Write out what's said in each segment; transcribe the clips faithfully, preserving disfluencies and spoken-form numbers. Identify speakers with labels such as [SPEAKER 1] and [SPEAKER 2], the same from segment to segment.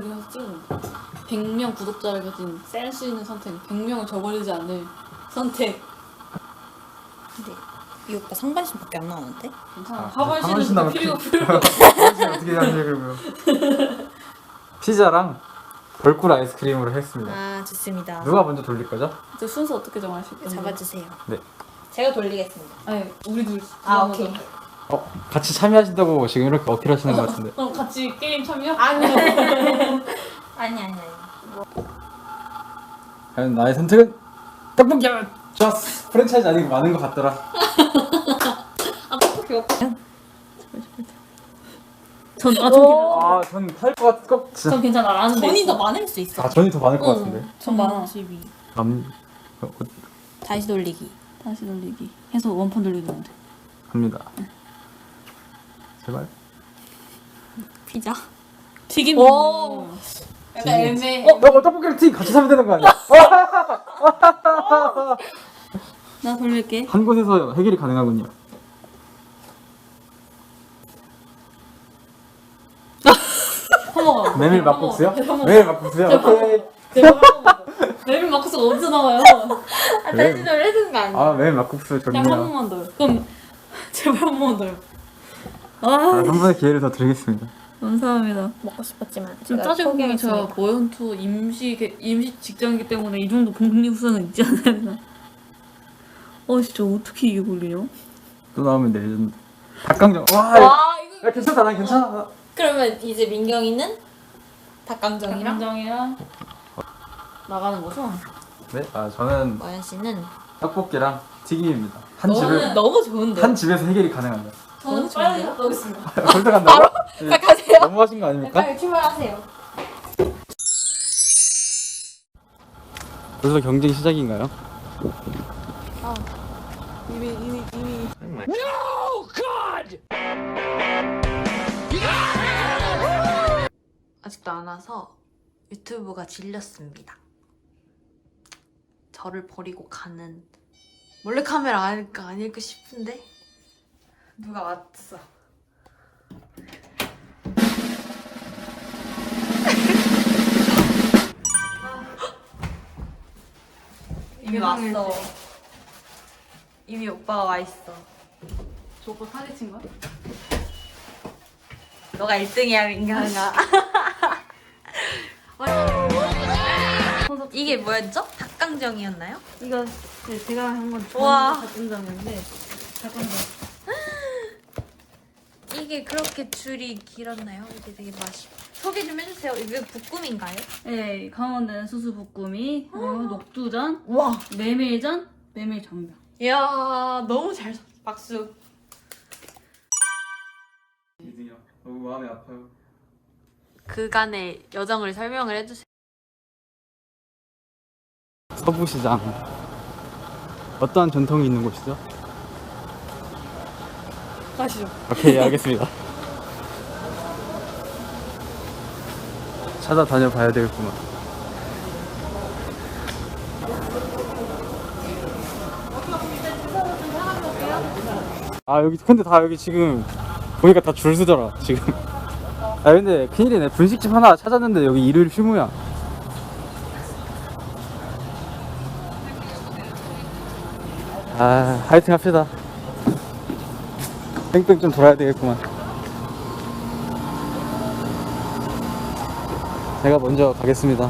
[SPEAKER 1] 그리면서 찍는 거. 백 명 구독자를 가진 센스 있는 선택. 백 명을 저버리지 않을 선택.
[SPEAKER 2] 근데 이 오빠 상반신밖에 안 나오는데?
[SPEAKER 1] 괜찮아.
[SPEAKER 3] 아,
[SPEAKER 1] 하반신은
[SPEAKER 3] 하반신
[SPEAKER 1] 진짜
[SPEAKER 3] 나면
[SPEAKER 1] 필요
[SPEAKER 3] 피-
[SPEAKER 1] 필요.
[SPEAKER 3] 하반신 어떻게 하냐고요. 피자랑 벌꿀 아이스크림으로 했습니다.
[SPEAKER 2] 아 좋습니다.
[SPEAKER 3] 누가 먼저 돌릴 거죠?
[SPEAKER 1] 저 순서 어떻게 정하실 건데?
[SPEAKER 2] 잡아주세요.
[SPEAKER 3] 네.
[SPEAKER 2] 제가 돌리겠습니다.
[SPEAKER 1] 아니 우리 둘.
[SPEAKER 2] 아,
[SPEAKER 1] 누가
[SPEAKER 2] 오케이.
[SPEAKER 1] 먼저?
[SPEAKER 3] 어 같이 참여하신다고 지금 이렇게 어필하시는 것 같은데.
[SPEAKER 1] 그럼 같이 게임 참여?
[SPEAKER 2] 아니 아니 아니 아니.
[SPEAKER 3] 과연 나의 선택은 떡볶이야. 좋았어. 프랜차이즈 아니고 많은 것 같더라.
[SPEAKER 1] 아 떡볶이 없다. 전, 아, 전 괜찮아.
[SPEAKER 3] 아전 탈 것 같. 꼭 진짜.
[SPEAKER 1] 전 괜찮아. 안 하는데.
[SPEAKER 2] 돈이 더 많을 수 있어.
[SPEAKER 3] 아 전이 더 많을 것
[SPEAKER 1] 응.
[SPEAKER 3] 같은데.
[SPEAKER 1] 전 많아.
[SPEAKER 2] 십이.
[SPEAKER 3] 남 어, 어,
[SPEAKER 2] 다시 돌리기.
[SPEAKER 1] 다시 돌리기. 해서 원판 돌리면 돼.
[SPEAKER 3] 갑니다. 제발.
[SPEAKER 2] 피자.
[SPEAKER 1] 튀김.
[SPEAKER 2] 오. 약간
[SPEAKER 3] 튀김.
[SPEAKER 2] 애매해.
[SPEAKER 3] 어, 너 떡볶이를 튀 같이 사면 되는 거 아니야?
[SPEAKER 1] 나 돌릴게.
[SPEAKER 3] 한 곳에서 해결이 가능하군요.
[SPEAKER 1] 허먹어.
[SPEAKER 3] 메밀 막국수요? 메밀 막국수요? 오케이.
[SPEAKER 1] 제발 한 번만 더. 메밀 막국수가 어디서 나와요?
[SPEAKER 2] 아 다시 돌리는 거 아니야?
[SPEAKER 3] 아 메밀 막국수
[SPEAKER 1] 그냥 한
[SPEAKER 3] 좋네요.
[SPEAKER 1] 번만 더요. 그럼 제발 한 번만 더요.
[SPEAKER 3] 아,
[SPEAKER 1] 아,
[SPEAKER 3] 한 번의 기회를 더 드리겠습니다.
[SPEAKER 1] 감사합니다.
[SPEAKER 2] 먹고 싶었지만
[SPEAKER 1] 지금
[SPEAKER 2] 제가
[SPEAKER 1] 따지고 보면 제가
[SPEAKER 2] 포기했습니다.
[SPEAKER 1] 모연투 임시 개- 임시 직장이기 때문에 이 정도 복리후생은 있지 않나. 어 진짜 어떻게 이게 걸리냐?
[SPEAKER 3] 또 나오면 레전드. 닭강정. 와, 야,
[SPEAKER 2] 와 이거.
[SPEAKER 3] 괜찮다. 난 괜찮아.
[SPEAKER 2] 그러면 이제 민경이는 닭강정이랑
[SPEAKER 1] 장이랑 나가는 거죠?
[SPEAKER 3] 네, 아 저는
[SPEAKER 2] 마연 씨는
[SPEAKER 3] 떡볶이랑 튀김입니다. 한
[SPEAKER 2] 너무
[SPEAKER 3] 집을
[SPEAKER 2] 너무 좋은데.
[SPEAKER 3] 한 집에서 해결이 가능합니다.
[SPEAKER 1] 저는 빨리 갔다 오겠습니다.
[SPEAKER 3] 벌써 간다고? 네,
[SPEAKER 2] 자 가세요.
[SPEAKER 3] 너무하신 거 아닙니까?
[SPEAKER 2] 빨리 출발하세요.
[SPEAKER 3] 벌써 경쟁 시작인가요?
[SPEAKER 1] 이미 이미 이미.
[SPEAKER 2] 아직도 안 와서 유튜브가 질렸습니다. 저를 버리고 가는 몰래카메라 아닐까 아닐까 싶은데 누가 왔어. 이미 왔어. 이미 오빠가 와 있어.
[SPEAKER 1] 저 오빠 사기 친 거야?
[SPEAKER 2] 너가 일 등이야 민경아. 이게 뭐였죠? 닭강정이었나요?
[SPEAKER 1] 이거 네, 제가 한건
[SPEAKER 2] 우와.
[SPEAKER 1] 닭강정인데 닭강정.
[SPEAKER 2] 이게 그렇게 줄이 길었나요? 이게 되게 맛이. 소개 좀 해주세요. 이게 볶음인가요?
[SPEAKER 1] 네, 강원도는 수수볶음이, 그리고 녹두전,
[SPEAKER 2] 와.
[SPEAKER 1] 메밀전, 메밀전병.
[SPEAKER 2] 이야 너무 잘. 박수.
[SPEAKER 3] 이등이요. 너무 마음이 아파요.
[SPEAKER 2] 그간의 여정을 설명을 해주세요.
[SPEAKER 3] 서부시장. 어떠한 전통이 있는 곳이죠?
[SPEAKER 1] 가시죠.
[SPEAKER 3] 오케이, 알겠습니다. 찾아다녀 봐야 되겠구만. 아 여기 근데 다 여기 지금 보니까 다 줄 서더라 지금. 아 근데 큰일이네. 분식집 하나 찾았는데 여기 일요일 휴무야. 아 화이팅 합시다. 뺑뺑 좀 돌아야 되겠구만. 제가 먼저 가겠습니다.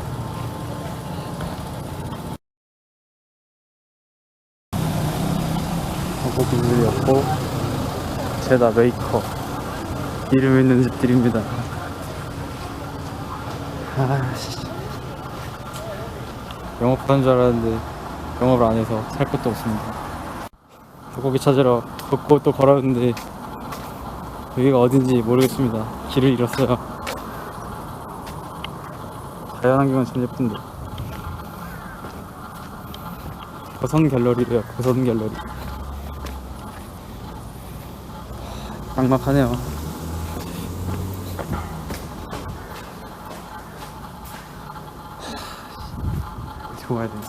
[SPEAKER 3] 고기들이었고 제다 메이커 이름 있는 집들입니다. 아씨 영업하는 줄 알았는데 영업을 안 해서 살 것도 없습니다. 고기 찾으러 걷고 또 걸었는데 여기가 어딘지 모르겠습니다. 길을 잃었어요. 자연환경은 참 예쁜데. 고선 갤러리래요. 고선 갤러리. 막막하네요. 어디로 가야 되나?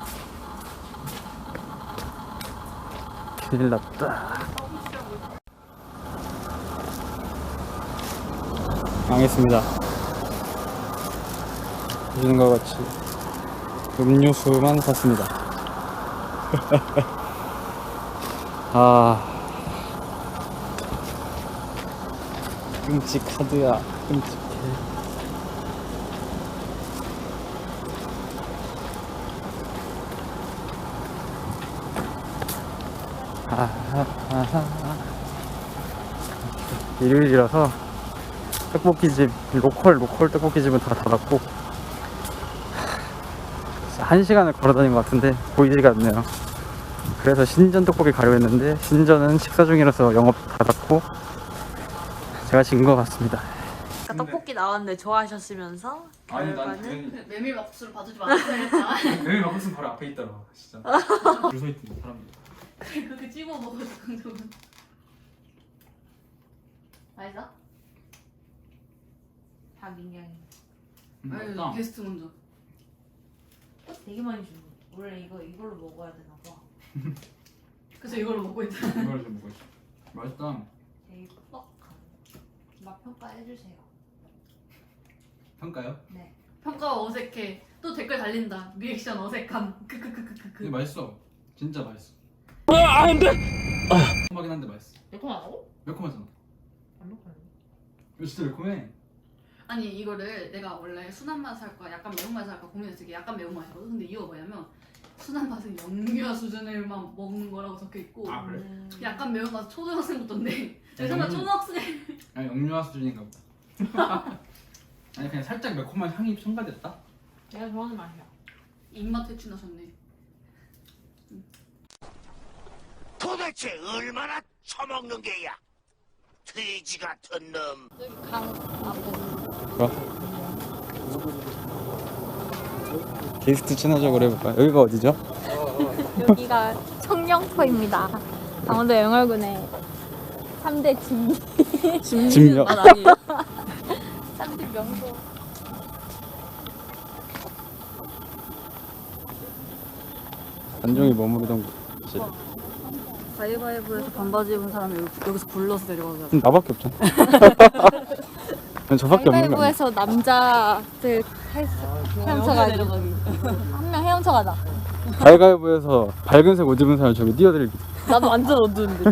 [SPEAKER 3] 큰일 났다. 망했습니다. 보시는 것 같이 음료수만 샀습니다. 아, 끔찍하드야, 끔찍해. 아하하하. 일요일이라서 떡볶이집, 로컬 로컬 떡볶이집은 다 닫았고 한 시간을 걸어다닌 것 같은데 보이지가 않네요. 그래서 신전 떡볶이 가려고 했는데 신전은 식사 중이라서 영업 닫았고 제가 진 것 같습니다.
[SPEAKER 2] 아까 떡볶이 나왔는데 좋아하셨으면서 결과는
[SPEAKER 1] 메밀막국수를 봐주지 말아야겠다.
[SPEAKER 3] 메밀 막국수 바로 앞에 있더라. 진짜 줄 서 있던 사람들.
[SPEAKER 1] 그렇게 찝어 먹어서 강정은. 맛있어?
[SPEAKER 2] 다 민경이.
[SPEAKER 1] 아유 게스트 먼저.
[SPEAKER 2] 꽃 되게 많이 주고. 원래 이거 이걸로 먹어야 되나 봐.
[SPEAKER 1] 그래서 이걸로 먹고 있다.
[SPEAKER 3] 이걸 좀 먹고 있어. 맛있다.
[SPEAKER 2] 되게 뻑뻑한. 맛 평가해 주세요.
[SPEAKER 3] 평가요?
[SPEAKER 2] 네.
[SPEAKER 1] 평가 어색해. 또 댓글 달린다. 리액션 어색함.
[SPEAKER 3] 근데
[SPEAKER 1] 크크크크크크.
[SPEAKER 3] 맛있어. 진짜 맛있어. 아, 안 돼. 매콤하긴 한데 맛있어.
[SPEAKER 1] 매콤하다고?
[SPEAKER 3] 매콤하잖아.
[SPEAKER 2] 안 먹어요.
[SPEAKER 3] 이거 진짜 매콤해.
[SPEAKER 1] 아니 이거를 내가 원래 순한 맛 할까 약간 매운 맛 할까 고민했을 때 약간 매운 맛이거든. 근데 이거 뭐냐면 순한 맛은 영유아 수준을만 먹는 거라고 적혀 있고
[SPEAKER 3] 아, 그래?
[SPEAKER 2] 음.
[SPEAKER 1] 약간 매운 맛은 초등학생부터인데 정말
[SPEAKER 3] 음.
[SPEAKER 1] 초등학생.
[SPEAKER 3] 아니 영유아 수준인가 보다. 아니 그냥 살짝 매콤한 향이 첨가됐다.
[SPEAKER 2] 내가 좋아하는 맛이야.
[SPEAKER 1] 입맛 회춘하셨네.
[SPEAKER 4] 도대체 얼마나 처먹는 게야? 돼지 같은 놈.
[SPEAKER 2] 여기 강 앞에.
[SPEAKER 3] 뭐? 게스트 친화적으로 해볼까? 여기가 어디죠?
[SPEAKER 5] 여기가 청령포입니다. 강원도 영월군의 삼 대 진,
[SPEAKER 3] 집력.
[SPEAKER 1] 아니에요?
[SPEAKER 5] 삼 대 명소.
[SPEAKER 3] 단종이 머무르던 곳이.
[SPEAKER 1] 가위바위보에서 반바지 입은 사람이 여기, 여기서 불러서 데려가자.
[SPEAKER 3] 그럼 나밖에 없잖아. 난 저밖에 없는 거 아니야?
[SPEAKER 5] 가위바위보에서 남자들 헤엄쳐가지고 한 명 헤엄쳐가자.
[SPEAKER 3] 가위바위보에서 밝은색 옷 입은 사람 저기 띄워드릴게.
[SPEAKER 5] 나도 완전 어두운데.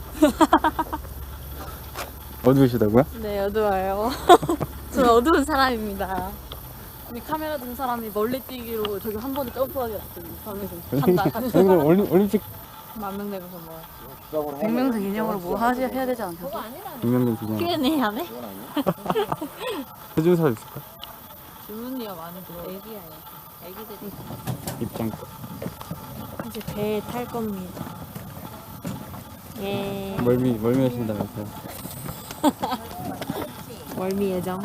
[SPEAKER 3] 어두우시다고요?
[SPEAKER 5] 네, 어두워요. 저는 어두운 사람입니다. 이 카메라 든 사람이 멀리 뛰기로 저기 한 번에 점프하게 났더니 밤에서 한다.
[SPEAKER 3] 저희는 올림, 올림픽
[SPEAKER 5] 만명 내고서 뭐.
[SPEAKER 1] 백명생 기념으로 뭐 하지 해야 되지 않나?
[SPEAKER 5] 그거 아니라.
[SPEAKER 3] 유명된 기념
[SPEAKER 5] 큐 앤 에이 하네?
[SPEAKER 3] 해준 사람 있을까?
[SPEAKER 5] 주문이요 많이 들어. 애기야, 애기. 애기들이.
[SPEAKER 3] 입장.
[SPEAKER 5] 이제 배에 탈 겁니다. 예.
[SPEAKER 3] 멀미 멀미 하신다면서요?
[SPEAKER 5] 월미 예정.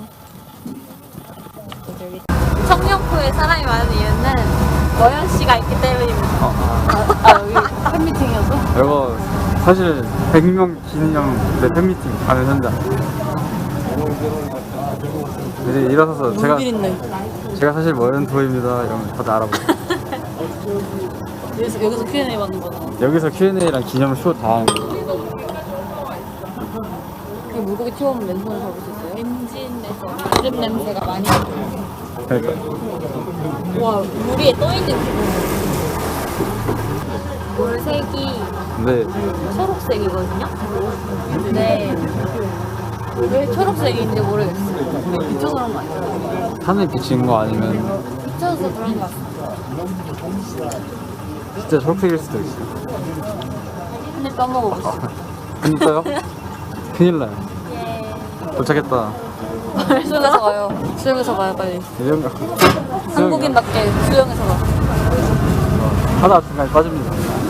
[SPEAKER 5] 청룡포에 사람이 많은 이유는 머연 씨가 있기 때문입니다. 아, 여기 팬미팅이어서?
[SPEAKER 3] 이거 사실 백 명 기념 내 팬미팅 가는 현장. 이제 일어서서 제가 제가 사실 머연토입니다 이러면 다들 알아보고.
[SPEAKER 1] 여기서, 여기서 큐 앤 에이 받는 거다.
[SPEAKER 3] 여기서 큐 앤 에이랑 기념 쇼 다 하는 거.
[SPEAKER 5] 그 물고기 튀어오면 맨손을 잡을 수 있어요? 엔진에서 기름 냄새가 많이 나요.
[SPEAKER 3] 그러니까
[SPEAKER 5] 와, 물 위에 떠있는 기분. 물색이
[SPEAKER 3] 근데
[SPEAKER 5] 초록색이거든요? 근데 왜 초록색인지 모르겠어요. 그냥 비춰서 그런 거 아니에요?
[SPEAKER 3] 하늘 비친 거 아니면
[SPEAKER 5] 비춰서 그런 거 같아요.
[SPEAKER 3] 진짜 초록색일 수도 있어.
[SPEAKER 5] 근데 떠먹어보세요.
[SPEAKER 3] 진짜요? 큰일 나요.
[SPEAKER 5] 예.
[SPEAKER 3] 도착했다.
[SPEAKER 5] 수영해서 가요. 수영해서 가요, 빨리.
[SPEAKER 3] 이런 거
[SPEAKER 5] 한국인답게 수영해서 가.
[SPEAKER 3] 하다 중간에 빠집니다.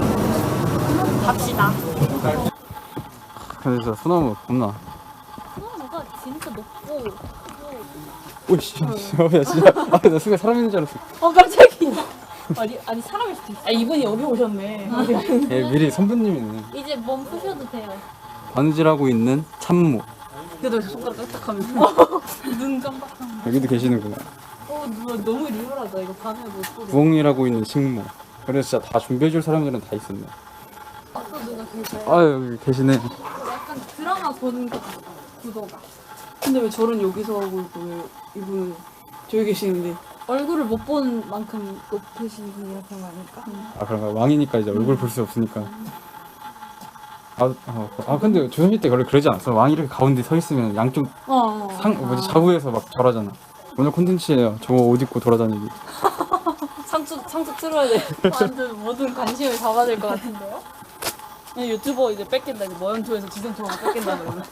[SPEAKER 5] 갑시다.
[SPEAKER 3] 근데 진짜 소나무 겁나.
[SPEAKER 5] 수영가 진짜 높고.
[SPEAKER 3] 오이씨, 야 진짜. 아, 나 순간 사람 있는 줄 알았어.
[SPEAKER 5] 어, 깜짝이야. 아니, 아니 사람일 수도 있어. 아, 이분이 여기 오셨네.
[SPEAKER 3] 예, 미리 선배님이네.
[SPEAKER 5] 이제 몸 푸셔도 돼요.
[SPEAKER 3] 바느질하고 있는 참모.
[SPEAKER 1] 그래도 손가락 깍딱하면서.
[SPEAKER 5] 눈 깜빡하면.
[SPEAKER 3] 여기도 계시는구나.
[SPEAKER 5] 어, 누나 너무 리얼하다. 이거 밤에 못 보고.
[SPEAKER 3] 부엉이라고 있는 식모. 그래서 진짜 다 준비해줄 사람들은 다 있었네.
[SPEAKER 5] 또 누가 계세요?
[SPEAKER 3] 아, 여기 계시네.
[SPEAKER 5] 약간 드라마 보는 것 같아. 구도가.
[SPEAKER 1] 근데 왜 저는 여기서 하고 있고 왜 이분은 저기 계시는데
[SPEAKER 5] 얼굴을 못 본 만큼 높으신 이런 거 아닐까?
[SPEAKER 3] 아 그런가 왕이니까 이제 얼굴 볼 수 없으니까. 아, 어, 아 근데 조선시대 때 원래 그러지 않았어? 왕이 이렇게 가운데 서 있으면 양쪽
[SPEAKER 5] 어.
[SPEAKER 3] 상 뭐지 좌우에서 막 절하잖아. 오늘 콘텐츠예요. 저거 옷 입고 돌아다니기.
[SPEAKER 5] 상추 상추 틀어야 돼. 완전 모든 관심을 잡아야 될 것 같은데요? 그냥 유튜버 이제 뺏긴다. 이제 모양초에서 지성초가 뺏긴다 그러면.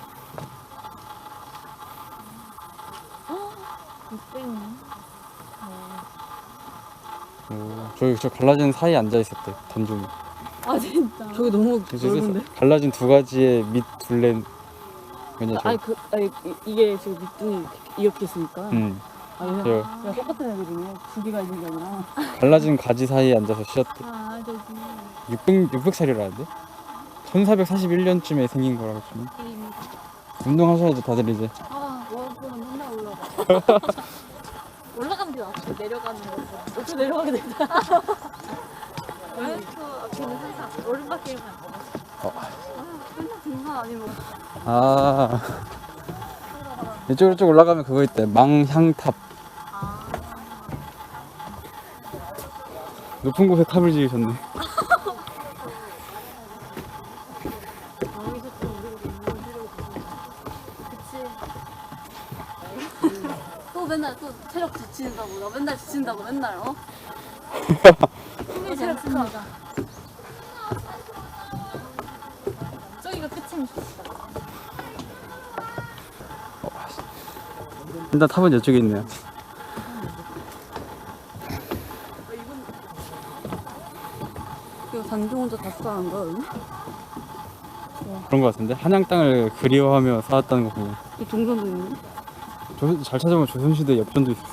[SPEAKER 5] 땡.
[SPEAKER 3] 오, 저기 저 갈라진 사이에 앉아 있었대 단종이.
[SPEAKER 5] 아 진짜. 저기 너무 넓은데.
[SPEAKER 3] 갈라진 두 가지의 밑 둘레 뭐냐 저.
[SPEAKER 5] 아니 그 아니 이- 이게 지금 밑둥이 이렇게, 이렇게 있으니까.
[SPEAKER 3] 응.
[SPEAKER 5] 아 그냥,
[SPEAKER 3] 저
[SPEAKER 5] 그냥 똑같은 애들이네. 두 개가 있는 게 아니라.
[SPEAKER 3] 갈라진 가지 사이에 앉아서 쉬었대.
[SPEAKER 5] 아 저기.
[SPEAKER 3] 육백 육백 살이라는데? 천사백사십일 년쯤에 생긴 거라고 좀. 운동하셔야죠 다들 이제.
[SPEAKER 5] 아 월급은 맨날 올라가. 올라가는 게 낫지. 내려가는 거. 어떻게 내려가게 된다. 월급 앞에는 항상 오른바퀴만.
[SPEAKER 3] 어.
[SPEAKER 5] 아, 맨날 등산 아니면.
[SPEAKER 3] 아 이쪽으로 쭉 올라가면 그거 있대 망향탑. 높은 곳에 탑을 지으셨네.
[SPEAKER 5] 여기서 또 우리가 너무 그치. 또 맨날 또 체력 지친다고 나 맨날 지친다고 맨날 어? 힘이 않습니다. 저기가 끝입니다.
[SPEAKER 3] 일단 탑은 이쪽에 있네요.
[SPEAKER 5] 이거 단종 혼자 다 쌓은 거야 여기?
[SPEAKER 3] 그런 거 같은데 한양 땅을 그리워하며 쌓았다는 거 보면
[SPEAKER 5] 이 동전도 있네.
[SPEAKER 3] 조, 잘 찾아보면 조선시대 엽전도 있어.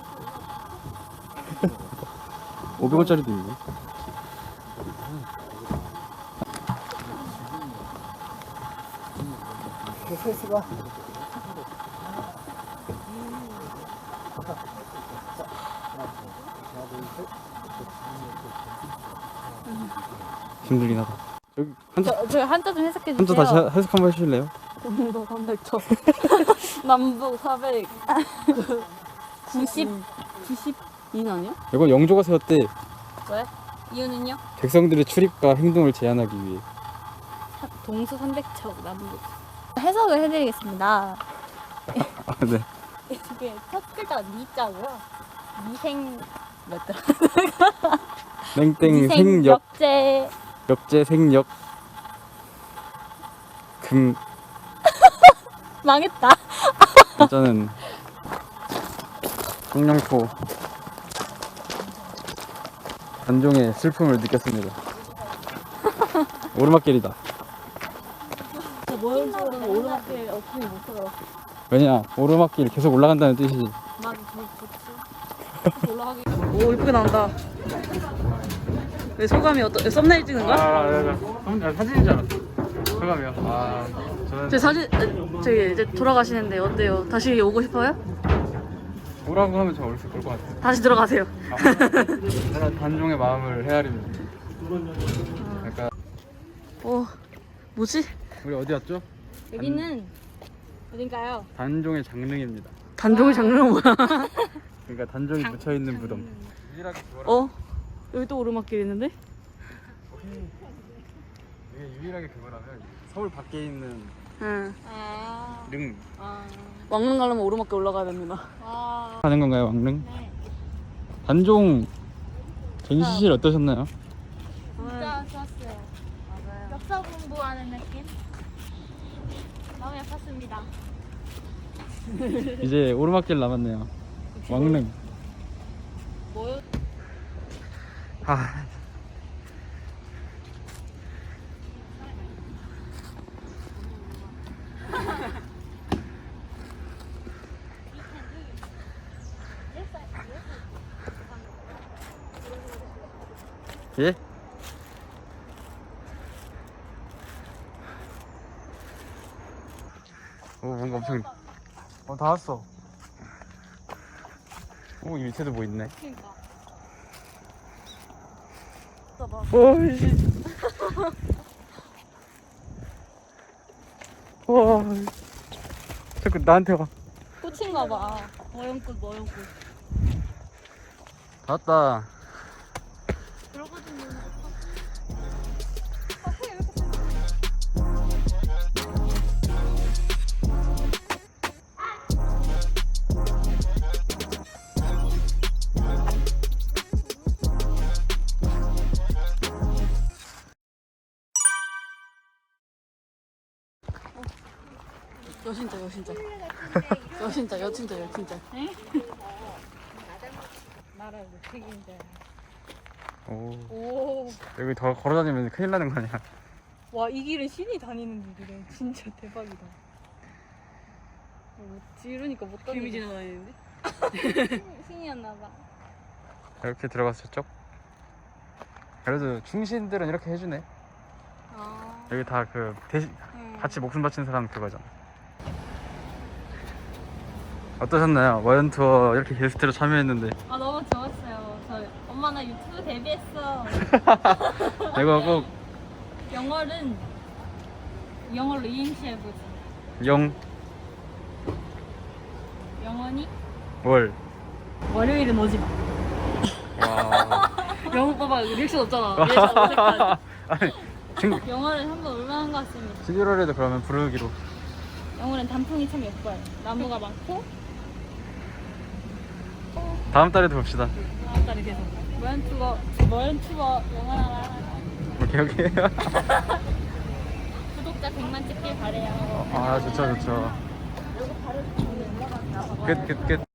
[SPEAKER 3] 오백 원짜리도 있네. 힘들긴 하다. 여기 한자
[SPEAKER 5] 저, 저 한자 좀 해석해
[SPEAKER 3] 한자
[SPEAKER 5] 주세요.
[SPEAKER 3] 다시 해- 해석 한번 해주실래요?
[SPEAKER 5] 동도 삼백초 남북 사백 그 구십 구십이는 아니야?
[SPEAKER 3] 이건 영조가 세웠대.
[SPEAKER 5] 왜? 이유는요?
[SPEAKER 3] 백성들의 출입과 행동을 제한하기 위해.
[SPEAKER 5] 동수 삼백척 남북 해석을 해드리겠습니다.
[SPEAKER 3] 아 네.
[SPEAKER 5] 이게 첫 글자가 니자고요. 미생 뭐였더라?
[SPEAKER 3] 땡땡 생역
[SPEAKER 5] 역제
[SPEAKER 3] 역제 생역 금
[SPEAKER 5] 망했다.
[SPEAKER 3] 진짜는 청량포 단종의 슬픔을 느꼈습니다. 오르막길이다.
[SPEAKER 5] 모형적으로는 오르막길 어플이 못 써요.
[SPEAKER 3] 왜냐 오르막길 계속 올라간다는 뜻이지.
[SPEAKER 5] 맞아, 좋지. 올라가기. 오 이쁘게 나온다. 왜 소감이 어떠? 썸네일 찍는 거야?
[SPEAKER 3] 아, 사진인 줄 알았어. 소감이요. 아, 저는
[SPEAKER 5] 제 사진 저기 이제 돌아가시는데 어때요? 다시 오고 싶어요?
[SPEAKER 3] 오라고 하면 저 어렸을 것 같아요.
[SPEAKER 5] 다시 들어가세요.
[SPEAKER 3] 제가 단종의 마음을 헤아립니다. 약간
[SPEAKER 5] 어 뭐지?
[SPEAKER 3] 우리 어디 왔죠?
[SPEAKER 5] 여기는 어딘가요?
[SPEAKER 3] 단종의 장릉입니다.
[SPEAKER 5] 단종의 장르는 뭐야?
[SPEAKER 3] 그러니까 단종이 묻혀 있는 무덤. 유일하게 그거라.
[SPEAKER 5] 어? 여기 또 오르막길 있는데?
[SPEAKER 3] 이게 유일하게 그거라면 서울 밖에 있는
[SPEAKER 5] 응.
[SPEAKER 3] 릉.
[SPEAKER 5] 왕릉 가려면 오르막길 올라가야 됩니다.
[SPEAKER 3] 가는 건가요, 왕릉? 네. 단종 전시실 어떠셨나요?
[SPEAKER 6] 진짜 좋았어요. 맞아요. 역사 공부하는 느낌? 마음이 아팠습니다.
[SPEAKER 3] 이제 오르막길 남았네요. 왕릉.
[SPEAKER 5] 뭐요?
[SPEAKER 3] 아. 예? 오 뭔가 엄청 어 다 왔어. 오 이 밑에도 뭐 있네. 오이씨. 와 자꾸 나한테 와.
[SPEAKER 5] 꽃인가 봐. 모형꽃 모형꽃.
[SPEAKER 3] 왔다.
[SPEAKER 5] 여신자 여신자 여신자 여친자 여친자 나라의 책임자.
[SPEAKER 3] 오.
[SPEAKER 5] 오.
[SPEAKER 3] 여기 더 걸어다니면 큰일 나는 거 아니야?
[SPEAKER 5] 와, 이 길은 신이 다니는 길이래. 진짜 대박이다. 어, 이러니까 못 다니겠어. 개미 지나다니는데?
[SPEAKER 6] 신이었나봐.
[SPEAKER 3] 이렇게 들어가서 저쪽. 그래도 중신들은 이렇게 해주네.
[SPEAKER 5] 아.
[SPEAKER 3] 여기 다 그 대신
[SPEAKER 5] 음.
[SPEAKER 3] 같이 목숨 바친 사람 그거잖아. 어떠셨나요? 와연 투어 이렇게 게스트로 참여했는데.
[SPEAKER 6] 아 너무 좋았어요. 저 엄마 나 유튜브 데뷔했어.
[SPEAKER 3] 이거 꼭
[SPEAKER 6] 영어는 영어로 이행시 해보지.
[SPEAKER 3] 영,
[SPEAKER 6] 영원히
[SPEAKER 3] 월.
[SPEAKER 5] 월요일은 오지 마.
[SPEAKER 3] 와.
[SPEAKER 5] 영어 봐봐. 리액션 없잖아. 리액션 어색하지.
[SPEAKER 3] 아니, 중,
[SPEAKER 6] 영어를 한번 올만한 것 같습니다.
[SPEAKER 3] 십일월에도 그러면 부르기로.
[SPEAKER 6] 영어는 단풍이 참 예뻐요. 나무가 많고
[SPEAKER 3] 다음 달에도 봅시다.
[SPEAKER 5] 다음 달에 계속.
[SPEAKER 6] 모연 투어 모연 투어 영원하라.
[SPEAKER 3] 오케이, 오케이.
[SPEAKER 6] 구독자 백만 찍길 바래요.
[SPEAKER 3] 아, 좋죠, 좋죠. 끝, 끝, 끝.